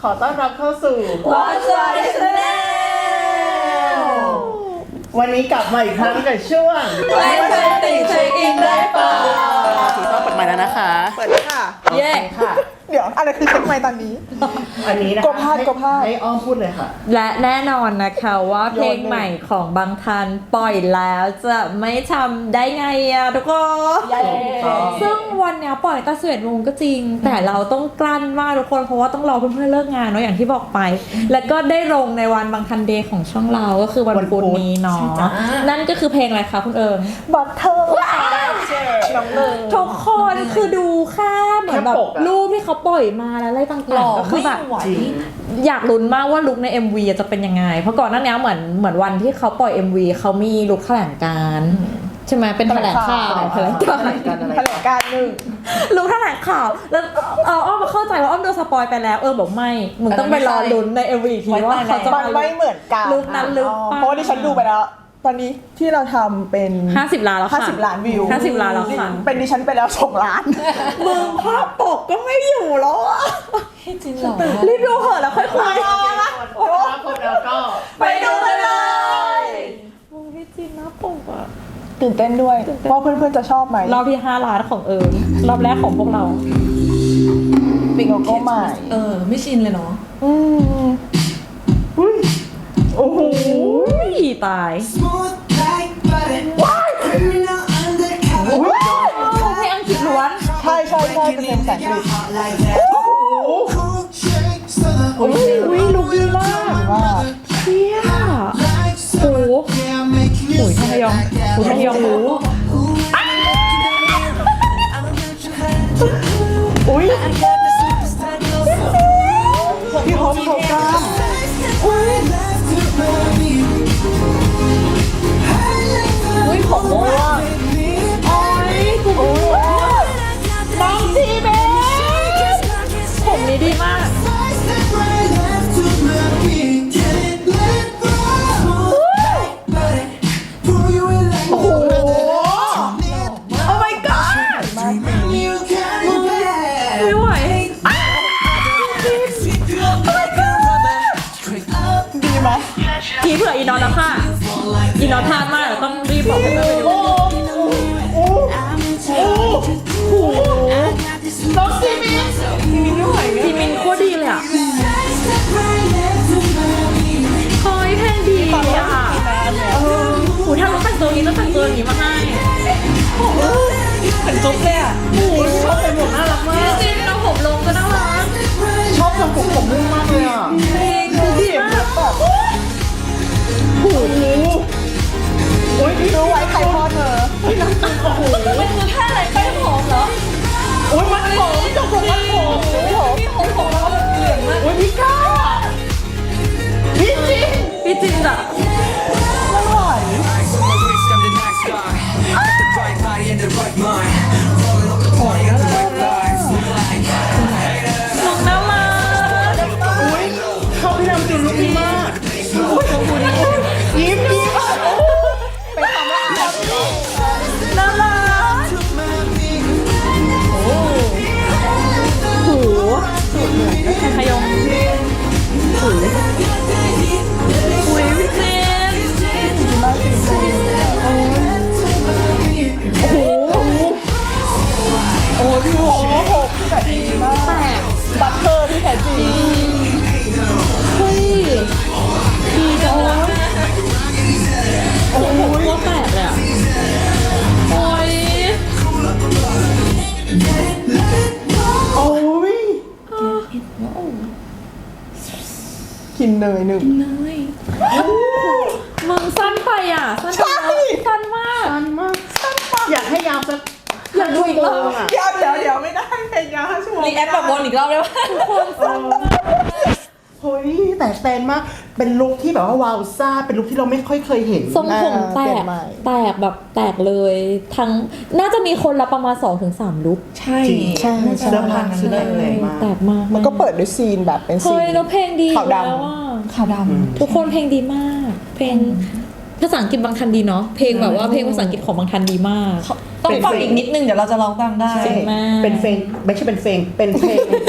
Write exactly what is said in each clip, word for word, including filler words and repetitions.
ขอต้อนรับเข้าสู่ What's Your Channel วันนี้กลับมาอีกครั้งกับช่วงไม่ใช่ติ่งเช็คอินได้เปล่าถูกต้องเปิดไมค์แล้วนะคะเปิดเลยค่ะเย้ค่ะเดี๋ยวอะไรคือเช็คไมค์ตอนนี้อันนี้นะคะกบพาดกบพาดให้อ้อมพูดเลยค่ะและแน่นอนนะคะว่าเพลงใหม่ของบางทันปล่อยแล้วจะไม่ทำได้ไงอะทุกคน ซึ่งวันเนี้ยปล่อยตั้งสิบเอ็ดโมงก็จริง แต่เราต้องกลั้นมากทุกคนเพราะว่าต้องรอเพื่อนๆเลิกงานเนาะอย่างที่บอกไป แล้วก็ได้ลงในวันบางทันเดย์ของช่องเราก็คือวันพุธนี้เนาะนั่นก็คือเพลงอะไรคะคุณเอิงบัตเทอร์น้องเลยทุกคนคือดูแค่เหมือนแบบแค่ปกอะรูปที่เขาปล่อยมาแล้วอะไรต่างๆก็คือแบบจริงอยากลุ้นมากว่าลุคใน เอ็ม วี จะเป็นยังไง เพราะก่อนหน้านี้เหมือนเหมือนวันที่เขาปล่อย เอ็ม วี เขามีลุคแถลงการณ์ใช่ไหมเป็นแถลงข่าวแถลงการณ์แถลงการหนึ่งลุคแถลงข่าวแล้วเอาอ้อมมาเข้าใจว่าอ้อมโดนสปอยไปแล้วเออบอกไม่มึงต้องไปรอลุ้นใน เอ็ม วี อีกทีว่าเขาจะมันไม่เหมือนกันลุคนั้นลุคเพราะว่าดิฉันดูไปแล้ว ตอนนี้ที่เราทำเป็นห้าสิบล้านแล้วค่ะห้าสิบล้านวิวห้าสิบล้านแล้วค่ะเป็นดิฉันไปแล้วสองล้านมึงภาพปกก็ไม่อยู่แล้วอะจริงเหรอรีบดูเหอะแล้วค่อยคุยโอ้คนแล้วก็ไปดูกันเลยมึงพี่จีนหน้าปกอะตื่นเต้นด้วยว่าเพื่อนๆจะชอบไหมรอบที่ห้าล้านของเอิญรอบแรกของพวกเราเป็นโลโก้ใหม่เออ ไม่ชินเลยเนาะอืมโอ้โหตาย Smooth like butter. Criminal undercover. เพลงอังกฤษล้วนใช่ใช่ใช่เป็นเพลงภาษาอังกฤษ Hot like that. Cool shake, southern อุ้ยอุ้ยลุกดีมากว่าเชี่ย like โอ้ summer. Yeah, I'm making you โหท sweat ยอง like that. โหทยองหูอุ้ย I got the superstar glow. พี่ฮอปเขากล้าม One left to love you. อุ้ยผมว่าโอ้ยกูน้องจีเบสผมนี้ดีมาก One step right left to love you. Get it, let it go. Like butter. Pour you in like water. Oh my god You got it bad. ไม่ไหวดีไหมทีเผื่ออีนอนแล้วค่ะอีนอนทานมากเดี๋ยวต้องรีบบอกให้เพื่อนไปดูน้องซีมินทีมินโคตรดีเลยอ่ะคอยเพลงดีอ่ะโอ้ยถ้าเราแต่งตัวนี้ต้องแต่งตัวอย่างนี้มาให้เหมือนจุ๊บเลยอ่ะโอ้ยชอบเป็นผมน่ารักมากจริงๆเราผมลงก็น่ารักชอบทำผมผมนุ่มมากเลยอ่ะเพลงคือดีมากโอ้โหโอ้ยพี่รู้ไว้ใครพ่อเธอมันคือท่าอะไรแป้งหอมเหรอโอ้ยมันผมจบผมมันผมพี่หอมหอมแล้วมันเหลืองมากโอ้ยพี่ก้าพี่จริงพี่จินอ่ะไม่ไหว I'm the next guy. Got the right body and the right mind. Rolling up the party on the right lines. Like ลุกน่ารักอุ้ยเขาพี่ดำจริงลุกดีมากอุ้ยยิ้มยิ้มเป็นคำว่าอาร์ตน่ารักโอ้โหแค่ขยงโอ้ยอุ้ยพี่เจนมากจริงๆโอ้โหโอ้ยพี่โหหกแต่ดีมากแตกบัตเทอร์ที่แท้จริงเฮ้ยดีจังวะโอ้โหโคตรแตกเลยอ่ะโอ้ยโอ้ยกินเนยหนึ่งมึงสั้นไปอ่ะสั้นไปเนอะสั้นมากสั้นมากสั้นมากอยากให้ยาวสักอยากดูอีกรอบอ่ะเดี๋ยวเดี๋ยวเดี๋ยวไม่ได้เพลงยาวห้าชั่วโมงรีแอคแบบวนอีกรอบได้ปะเฮ้ยแต่แตนมากเป็นลุคที่แบบว่าวาวซ่าเป็นลุคที่เราไม่ค่อยเคยเห็นทรงผมแตกแตกแบบแตกเลยทั้งน่าจะมีคนละประมาณ สองถึงสาม ลุคใช่จริงใช่เสื้อผ้าเสื้อแตกแรงมากแตกมากมันก็เปิดด้วยซีนแบบเป็นซีเฮ้นยแล้วเพลงดีขาวดำแล้วอ่ะขาวดทุกคนเพลงดีมาก เพลงภาษาอังกฤษบางทันดีเนาะเพลงแบบว่าเพลงภาษาอังกฤษของบางทันดีมากำต้องฟังอีกนิดนึงเดี๋ยวเราจะร้องตามได้ใช่มากเป็นเพลงไม่ใช่เป็นเพลงเป็นเพลง เป็น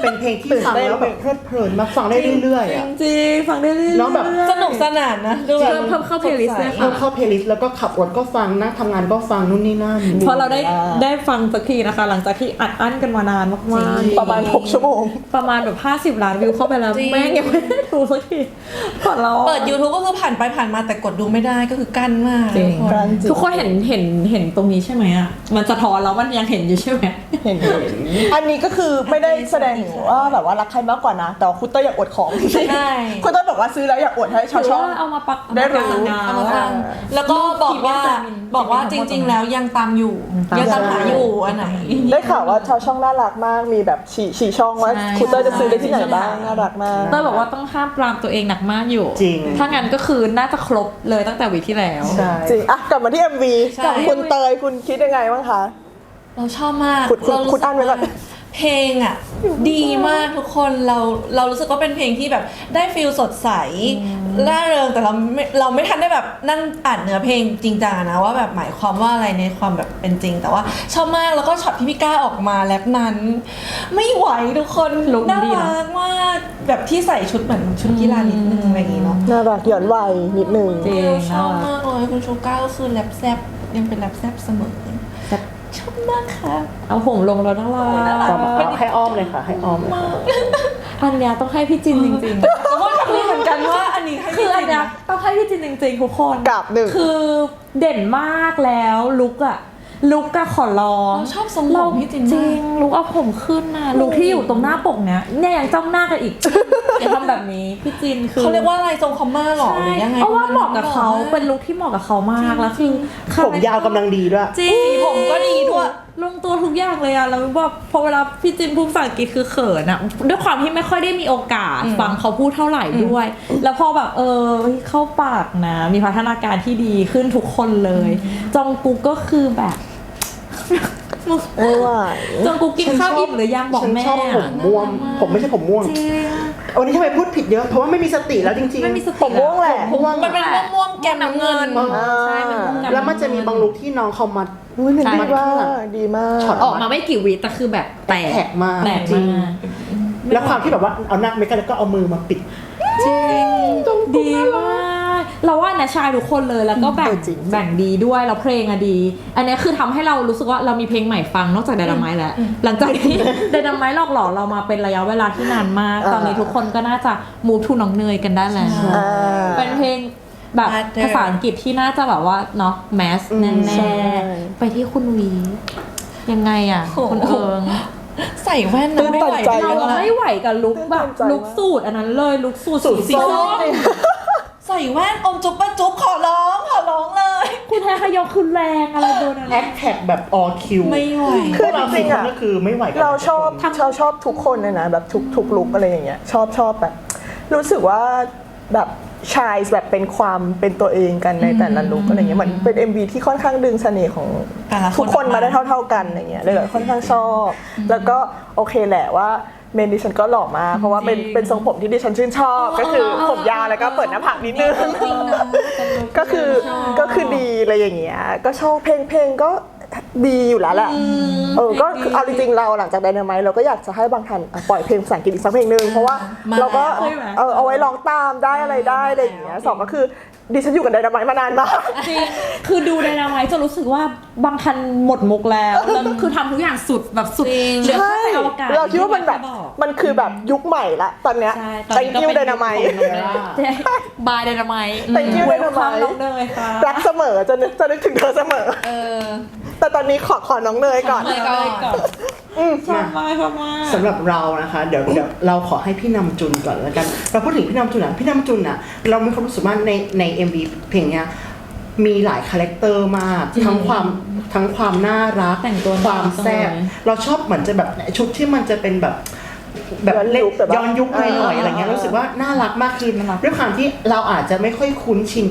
เป็นเพลงที่ฟังแล้วแบบเพลิดเพลินมากฟังได้เรื่อยๆอ่ะจริงฟังได้เรื่อยๆน้องแบบสนุกสนานนะดูแบบเพิ่มเพิ่มเข้าเพลย์ลิสต์เลยเพิ่ค่ะมเข้าเพลย์ลิสต์แล้วก็ขับรถก็ฟังนั่งทำงานก็ฟังนู่นนี่นั่นพอเราได้ได้ฟังสักทีนะคะ หลังจากที่อัดอั้นกันมานานมากๆประมาณหกชั่วโมงประมาณแบบห้าสิบล้านวิวเข้าไปแล้วจริงแม่งยังไม่ได้ดูสักทีก่อนเราเปิด YouTube ก็คือผ่านไปผ่านมาแต่กดดูไม่ได้ก็คือกั้นมากจริงทุกคนกั้นทุกคนเห็นเห็นเห็นตรงนี้ใช่ไหมอ่ะมันสะท้อนแล้วมันยังเห็นอยู่ใช่ไหมเห็นอันนี้ก็คือไม่ได้แสดงถึงว่าแบบว่ารักใครมากกว่านะ แต่ว่าคุณเต้ยอยากอวดของใช่คุณเต้ยบอกว่าซื้อแล้วอยากอวดให้ชาวหรือช่องว่าเอามาปักได้รู้เอาเอามามาฟัฟังงแล้วก็บอกว่าบอกว่าจริง ๆ แล้วยังตามอยู่ยังตามหาอยู่อันไหนได้ข่าวว่าชาวช่องน่ารักมากมีแบบฉี่ฉี่ช่องว่าใช่คุณเต้ยจะซื้อได้ที่ไหนบ้างน่ารักมากเต้ยบอกว่าต้องห้ามปรามตัวเองหนักมากอยู่จริงถ้างั้นก็คือน่าจะครบเลยตั้งแต่วีคที่แล้วใช่จริงอ่ะกลับมาที่ เอ็ม วีใช่กับคุณเตยคุณคิดยังไงบ้างคะเราชอบมากคุณคุณเรารู้คุณอ่านไว้ก่อนสึกว่าเพลงอ่ะดีมากทุกคนเราเรารู้สึกว่าเป็นเพลงที่แบบได้ฟีลสดใสร่าเริงแต่เราไม่เราไม่ทันได้แบบนั่งอ่านเนื้อเพลงจริงจังอะนะว่าแบบหมายความว่าอะไรในความแบบเป็นจริง แต่ว่าชอบมากแล้วก็ช็อตที่พี่ก้าออกมาแรปนั้น ไม่ไหวทุกคนลุคน่าดีนะรักมากแบบที่ใส่ชุดเหมือนชุดกีฬานิดนึงอะไรอย่างงี้เนาะน่ารักหย่อนวัยนิดนึงจริงชอบมากเลยคุณชูก้าก็คือแรปแซบยังเป็นแรปแซบเสมอแซ่บชอบมากค่ะเอาผมลงแล้วน่ารักให้อ้อมเลยค่ะให้อ้อมเลยค่ะอันเนี้ยต้องให้พี่จินจริงๆแต่ว่าคือเหมือนกันว่าอันนี้ให้คืออันเนี้ยต้องให้พี่จินจริงๆทุกคนกับหนึ่งคือเด่นมากแล้วลุกอะลุกอะขอร้องเราชอบทรงผมพี่จินจมาริกงลุกเอาผมขึ้นนะลุกที่อยู่ตรงหน้าปกเนี้ยเนี่ยยังจ้องหน้ากันอีก อย่าทำแบบนี้พี่จินคือเขาเรียกว่าอะไรทรงคอมมาหรอหรือยังไงเพราะว่าเหมาะกับเขาเป็นลุคที่เหมาะกับเขามากแล้วคือผมยาวกำลังดีด้วยจริงสีผมก็ดีด้วยลงตัวทุกอย่างเลยอะแล้วแบบพอเวลาพี่จินพูดภาษาอังกฤษคือเขินอะด้วยความที่ไม่ค่อยได้มีโอกาสฟังเขาพูดเท่าไหร่ด้วย แล้วพอแบบเออเข้าปากนะ มีพัฒนาการที่ดีขึ้นทุกคนเลย จองกุ๊กก็คือแบบไม่ไหวจองกุ๊กกินข้าวอิ่มหรือยังบอกฉันแม่ชอบผมม่วง ผมไม่ใช่ผมม่วงจริงวันนี้ทำไมพูดผิดเยอะ เพราะว่าไม่มีสติแล้วจริงๆไม่มีสติผมม่วงแหละม่วงมันเป็นม่วงๆแก้มน้ำเงินอ่าใช่มันม่วงดำแล้วมันจะมีบางลุคที่น้องเขามาอุ้ยมันดีใช่มากดีมากช็อตออกมาไม่กี่วิแต่คือแบบแตกแตกมากแตกจริมาง กแล้วความที่แบบว่าเอาหน้าไม่กันแล้วก็เอามือมาปิดจริงดีมากเราว่านะชายทุกคนเลยแล้วก็แบ่งเออจริงแบ่งดีด้วยแล้วเพลงอะดี อันนี้คือทำให้เรารู้สึกว่าเรามีเพลงใหม่ฟังนอกจากไดนาไมต์แล้ว หลังจากที่ ไดนาไมต์หลอกหลอนเรามาเป็นระยะเวลาที่นานมาก ตอนนี้ทุกคนก็น่าจะมูฟทูน้องเนยกันได้แล้วอ่าเป็นเพลงแบบ Mother ภาษาอังกฤษที่น่าจะแบบว่าเนาะแมสแน่ใช่ๆไปที่คุณวียังไงอะโอ้โหคุณเอิงใส่แว่นตื้นะนไม่ตันไหวใจเรามากไม่ไหวกับลุคแบบตื่นเต้นใจลุคสูตรอันนั้นเลยลุคสูตรสูตรสีส้ส้มมใส่แว่นอมจุ๊บปะจุ๊บขอร้องขอร้องเลยคุณแทขยกคือแรงอะไรโดนอะไรแอคแท็กแบบออคิวไม่ไหวพวกเราสี่คนก็คือไม่ไหวกันเราชอบเราชอบทุกคนเลยนะแบบทุกทุกลุกอะไรอย่างเงี้ยชอบชอบแบบ รู้สึกว่าแบบชายแบบเป็นความเป็นตัวเองกันในแต่ละลุกอะไรเงี้ยเหมือนเป็น เอ็ม วี ที่ค่อนข้างดึงเสน่ห์ของแต่ละคนทุกคนออกมามาได้เท่า ๆกันอะไรเงี้ยเลยแบบค่อนข้างชอบ แล้วก็โอเคแหละว่าเมนดิฉันก็หล่อมากเพราะว่าเป็นเป็นทรงผมที่ดิฉันชื่นชอบ ก็คือผมยาวแล้วก็เปิดหน้าผากนิดนึงจริงนะก็คือก็คือดีอะไรอย่างเงี้ยก็ชอบเพลงเพลงก็ดีอยู่แล้วแหละเออก็คือเอาจริงๆเราหลังจากไดนาไมต์เราก็อยากจะให้บางทันอ่ะปล่อยเพลงภาษาอังกฤษอีกสักเพลงหนึ่งเพราะว่ามาเราก็ใช่ไหมเออเอาไว้ร้องตามได้อะไรได้อะไรอย่างเงี้ยสองก็คือดิฉันอยู่กับไดนาไมต์มานานมากจริง คือดูไดนาไมต์จะรู้สึกว่าบางทันหมดมุกแล้ว แล้วคือทำทุกอย่างสุดแบบสุดจริงเหลือใช่แค่ไปอวกาศเราคิดว่ามันแบบที่บอกมันคือแบบยุคใหม่ละตอนเนี้ยใช่ตอนนี้ thank ก็ you เป็นไดนาไมต์บายไดนาไมต์ thank you เวล Dynamite คัมน้องเนยค่ะรักเสมอจะนึกจะนึกถึงเธอเสมอเออแต่ตอนนี้ขอขอน้องเนยก่อนน้องเนยก่อนชอบมากชอบมากสำหรับเรานะคะเดี๋ยวเดี๋ยวเราขอให้พี่นำจุนก่อนแล้วกัน เราพูดถึงพี่นำจุนอ่ะพี่นำจุนอ่ะเรามีความรู้สึกว่าในใน เอ็ม วี เพลงเนี้ยมีหลายคาแรคเตอร์มากทั้งความทั้งความน่ารักแต่งตัวความแซ่บน่ารักจังเลยเราชอบเหมือนจะแบบชุดที่มันจะเป็นแบบแบบย้อนเล่นยุคแบบว่าย้อนยุคหน่อยๆอ่าอะไรเงี้ยรู้สึกว่าน่ารักมากคือน่ารักด้วยความที่เราอาจจะไม่ค่อยคุ้นชินกับ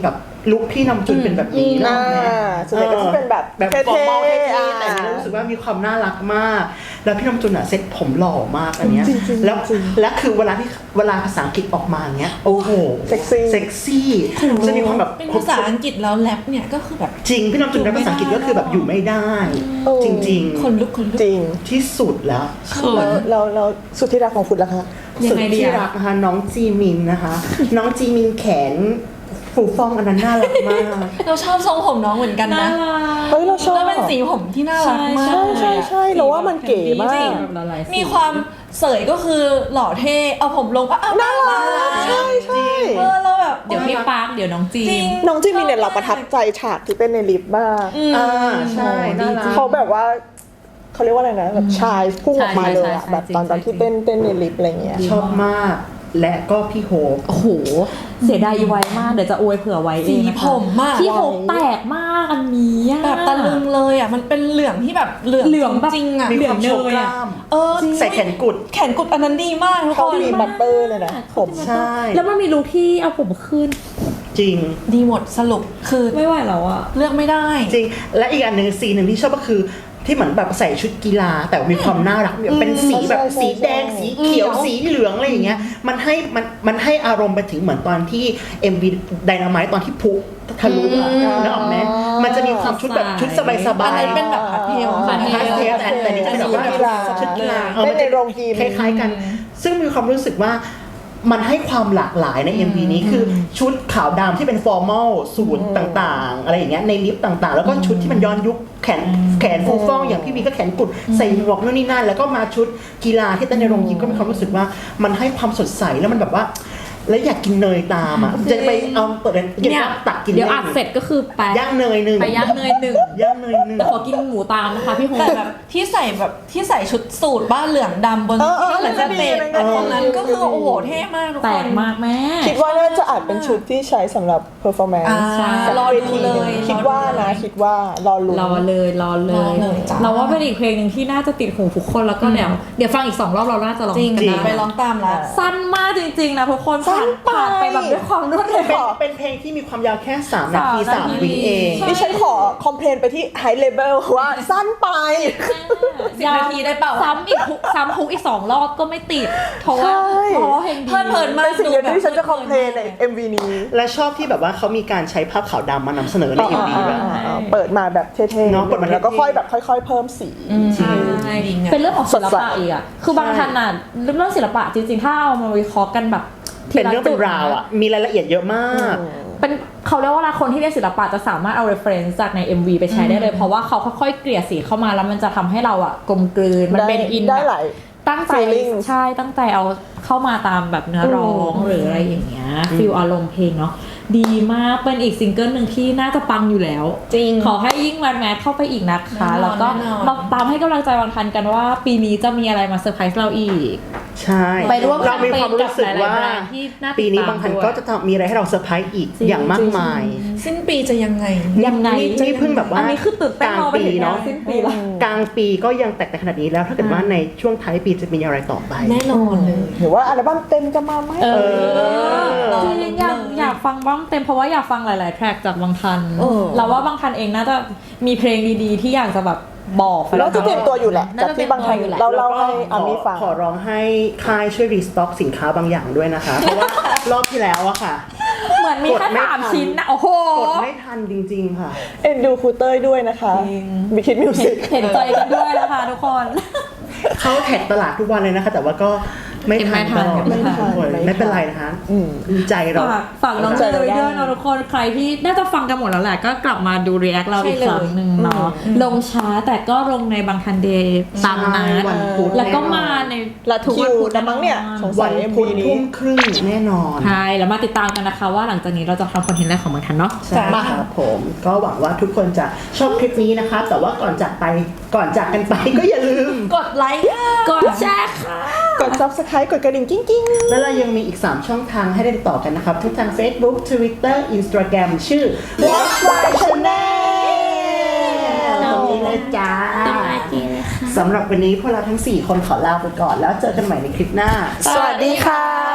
ลุคพี่นำจุนเป็นแบบนี้อ่าเนาะส่วนใหญ่ก็จะเป็นแบบแบบเท่ฟอร์มอลๆเท่อ่าๆแต่อันนี้รู้สึกว่ามีความน่ารักมาก แล้วพี่นำจุนอะเซ็ตผมหล่อมากอันเนี้ยจริงๆแล้วจริงและคือเวลาที่เวลาภาษาอังกฤษออกมาอย่างเงี้ยโอ้โหเซ็กซี่เซ็กซี่จะมีความแบบเป็นภาษาอังกฤษแล้วแรปเนี่ยก็คือแบบจริงพี่นำจุนในภาษาอังกฤษก็คือแบบอยู่ไม่ได้โอ้จริงคนลุกคนลุกจริงๆที่สุดแล้วแล้วเราเราสุดที่รักของคุณล่ะคะยังสุดไงดีที่อะรักนะคะน้องจีมินนะคะ น้องจีมินแขนฟูฟ่องอันนั้นน่ารักมากเราชอบทรงผมน้องเหมือนกันน่านะรักเฮ้ยเราชอบแล้วเป็นสีผมที่น่ารักมากใช่ใช่ใช่เราว่ามันเก๋มากจริงแบบหลายๆสีมีความเสยก็คือหล่อเท่เอาผมลงก็อ้าวน่ารักใช่ใช่เออเราแบบเดี๋ยวพี่ปาร์คเดี๋ยวน้องจีจริมงน้องจิมินเนี่ยเราประทับใจฉากที่เต้นในลิฟต์มากอ่าใช่น่ารักเขาแบบว่าเขาเรียกว่าอะไรนะแบบชายพุ่งออกมาเลยอะใช่ใช่ใช่แบบตอนจริงๆตอนที่เต้นเต้นในลิฟต์อะไรเงี้ยชอบมาก และก็พี่โฮปโอ้โห เสียดายไว้มาก เดี๋ยวจะอวยเผื่อไว้เองนะคะสีผมมากที่โหแตกมากอันนี้อะแบบตะลึงเลยอ่ะมันเป็นเหลืองที่แบบเหลืองเหลืองแบบจริงๆอ่ะมีความโชว์กล้ามเออใส่แขนกุดแขนกุดอันนั้นดีมากทุกเขาคนมีบัตเตอร์เลยนะผมใช่แล้วมันมีลุคที่เอาผมขึ้นจริงดีหมดสรุปคือไม่ไหวแล้วอะเลือกไม่ได้จริง และอีกอันหนึ่งซีนหนึ่งที่ชอบก็คือที่เหมือนแบบใส่ชุดกีฬา แต่มีความน่ารักแบบเป็นสีแบบสีแดงสีเขียวสีเหลืองอะไรอย่างเงี้ยมันให้มันมันให้อารมณ์ไปถึงเหมือนตอนที่ เอ็ม วี Dynamite ตอนที่พุทะลุอะนึกออกไหมมันจะมีความชุดแบบชุดสบายสบาอันยนั้นเป็นแบบพาร์ทเทลพาร์ทเทพาสเทลแต่แต่นี่เป็นแบบว่าชุดกีฬาชุดกีฬาออเต้นในโรงยิมคล้ายๆกัน ซึ่งมีความรู้สึกว่ามันให้ความหลากหลายใน เอ็ม วี นี้คือชุดขาวดำที่เป็นฟอร์มอลสูทต่างๆ อะไรอย่างเงี้ยในลิฟต์ต่างๆ แล้วก็ชุดที่มันย้อนยุคแขนแขนฟูฟ่องอย่างพี่วีก็แขนกุดใส่หมวกนู่นนี่นั่นแล้วก็มาชุดกีฬาที่เต้นในโรงยิมก็มีความรู้สึกว่ามันให้ความสดใสแล้วมันแบบว่า แล้วอยากกินเนยตามอ่ะจะไปเอาเปิดเลยอยากตักกินเดี๋ยวอัดเสร็จก็คือไปย่างเนยหนึ่งไปย่างเนยหนึ่งย่างเนยหนึ่งแต่ขอกินหมูตามนะคะพี่โฮแต่แบบที่ใส่แบบที่ใส่ชุดสูทบ้านเหลืองดำบนเออเออที่เหมือนจะเตะเออตรงนั้นก็คือโอ้โหเท่มากทุกแตคกนมากแม่คิดว่าน่าจะอาจเป็นชุดที่ใช้สำหรับ performance อ่าใช่รอเวดูทีเลหนึ่งยคิดว่านะคิดว่ารอลุ้นรอเลยรอเลรอย เลยจ้ะเราว่าเป็นอีกเพลงหนึ่งที่น่าจะติดหูทุกคนแล้วก็เดี๋ยวเดี๋ยวฟังอีกสองรอบเราน่าจะร้องจริงกันได้ไปร้องตามละสั้นมากจริงๆนะทุกคนผ่านสั้นไปผ่านไปแบบด้วยความรวดเร็วเป็นเป็นเพลงที่มีความยาวแค่สามนาทีสาสาม มนาทีวิเองใช่ดิฉันขอคอมเพลนไปที่ high level ว่าสั้นไปสิบนาทีได้เปล่าซ้ำอีกทุกซ้ำทุกอีกสองรอบก็ไม่ติดเพราะว่าใช่เพราะว่าเพลงดีเพลิดเพลินมากเป็นสิ่งเดียวที่ฉันจะคอมเพลนใน เอ็ม วี นี้และชอบที่แบบว่าเขามีการใช้ภาพขาวดำมานำเสนอใน เอ็ม วีแบบอ่าๆๆเปิดมาแบบเท่ๆเนอะเปิดมาเท่ๆแล้วก็ค่อยแบบค่อย ๆ เพิ่มสีใช่จริงอะเป็นเรื่องของศิลสดใสปะอีกอ่ะคือบางท่านอ่ะเรื่องศิลปะจริงๆ ถ้าเอามาวิเคราะห์กันแบบทีเป็นละเรื่องเป็นราวอ่ะ มีรายละเอียดเยอะมากเป็นเขาเรียกว่าอะไรคนที่เรียนศิลปะจะสามารถเอา reference จากใน เอ็ม วี ไปใช้ได้เลย เพราะว่าเขาค่อยๆเกลี่ยสีเข้ามาแล้วมันจะทำให้เราอ่ะกลมกลืนมันเป็นได้อินได้แบบหลายตั้งใจ feelings ใช่ตั้งใจเอาเข้ามาตามแบบเนื้อร้องหรืออะไรอย่างเงี้ยฟิลอารมณ์เพลงเนาะดีมากเป็นอีกซิงเกิลหนึ่งที่น่าจะปังอยู่แล้วจริงขอให้ยิ่งวันแมทเข้าไปอีกนะคะแน่นอนแล้วก็แน่นอนมาตามให้กำลังใจวันทันกันว่า ปีนี้จะมีอะไรมาเซอร์ไพรส์เราอีกใช่ไปร่วมเรามีความรู้สึกว่าแบรนด์ที่น่าติดตามปีนี้บางทันด้วยก็จะทำมีอะไรให้เราเซอร์ไพรส์อีกจริงอย่างมากมายสิ้นปีจะยังไงยังไงนี่นี่เพิ่งแบบว่าอันนี้คือตื่นเต้นกลางรอไปปีถึงงานเนาะสิ้นปีละกลางปีก็ยังแตกแต่ขนาดนี้แล้วถ้าเกิดว่าในช่วงท้ายปีจะมีอะไรต่อไปแน่นอนเลยหรือว่าอัลบั้มเต็มจะมาไหมเอออจริงๆอยากอยากฟังบ้างเต็มเพราะว่าอยากฟังหลาย ๆ แทร็กจากบางทันเออเราว่าบางทันเองน่าจะมีเพลงดีๆ ที่อยากจะแบบบอกแฟนๆเราจะเตรียมตัวอยู่แหละน่จากที่บางทันจะตรียมตัวอยู่แหละเราเล่าแล้วก็ให้อามีฟังขอร้องให้ค่ายช่วยรีสต็อกสินค้าบางอย่างด้วยนะคะ เพราะว่ารอบที่แล้วอะค่ะเหมือนมีแค่กดไม่สามทันชิ้นนะโอ้โหกดไม่ทันจริงๆค่ะเอ็นดูครูเต้ยด้วยนะคะบิคิดมิวสิกเห็นใจกันด้วยนะคะทุกคนเขาแท็กตลาดทุกวันเลยนะคะ แต่ว่าก็ไม่ทันไม่ทันตลอดไม่ทันทุกคนไม่เป็นไรนะคะอืมดีใจเราฝากฝากน้องเจเลยด้วยเนาะทุกคนใครที่น่าจะฟังกันหมดแล้วแหละก็กลับมาดูรีแอคเราอีกครั้งหนึ่งเนาะลงช้าแต่ก็ลงในบางทันเดย์ตามนัดใช่วันพุธแล้วก็มาในละทุกวันพุธนะมั้งเนี่ยสงสัวัยนเอ็มพุวีธนี้ทุ่มครึ่งแน่นอนใช่แล้วมาติดตามกันนะคะว่าหลังจากนี้เราจะทำคอนเทนต์อะไรของบางทันเนาะใช่ครับผมก็หวังว่าทุกคนจะชอบคลิปนี้นะคะ แต่ว่าก่อนจากไปก่อนจากกันไปก็อย่าลืมกดไลค์กดแชร์ค่ะกด subscribe กดกระดิ่งกิ้งๆแล้วเรายังมีอีก สาม ช่องทางให้ได้ติดต่อกันนะครับทุกทาง Facebook Twitter Instagram ชื่อ Watch My Channel ตรงนี้เลยจ้าสำหรับวันนี้พวกเราทั้ง สี่ คนขอลาไปก่อนแล้วเจอกันใหม่ในคลิปหน้าสวัสดีค่ะ